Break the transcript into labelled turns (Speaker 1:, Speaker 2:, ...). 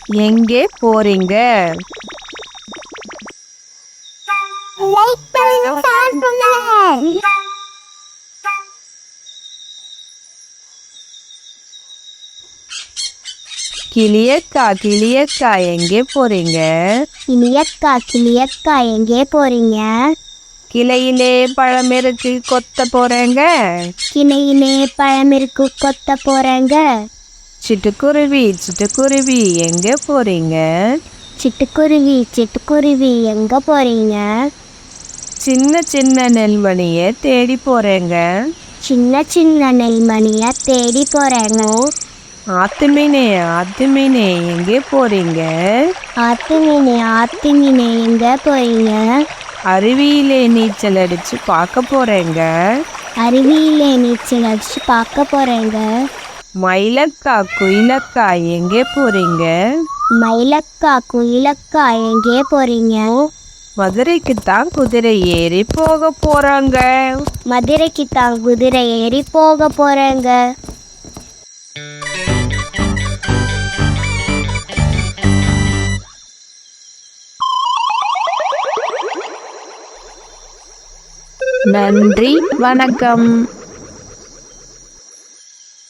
Speaker 1: எங்கே போறீங்க? கிளியக்கா கிளியக்கா எங்கே போறீங்க?
Speaker 2: கிளியக்கா எங்கே போறீங்க?
Speaker 1: கிளையிலே பழம் இருக்கு கொத்த போறேங்க.
Speaker 2: கிளையிலே பழம் இருக்கு கொத்த போறேங்க.
Speaker 1: சிட்டுக்குருவி எங்கே போறீங்க?
Speaker 2: சிட்டுக்குருவி எங்க போறீங்க?
Speaker 1: சின்ன சின்ன நெல்மணிய தேடி போறேங்க.
Speaker 2: சின்ன சின்ன நெல்மணிய தேடி போறேங்க.
Speaker 1: ஆத்துமீனே எங்கே போறீங்க?
Speaker 2: ஆத்துமீனே எங்க போறீங்க?
Speaker 1: அருவியிலே நீச்சல் அடிச்சு பார்க்க போறேங்க.
Speaker 2: அருவியிலே நீச்சல் அடிச்சு பார்க்க போறேங்க.
Speaker 1: மயிலக்கா குயிலக்கா எங்கே போறீங்க?
Speaker 2: மயிலக்கா குயிலக்கா எங்கே போறீங்க?
Speaker 1: மதுரைக்கு தான் குதிரை ஏறி போக போறாங்க.
Speaker 2: மதுரைக்கு தான் குதிரை ஏறி போக போறேங்க.
Speaker 1: நன்றி, வணக்கம்.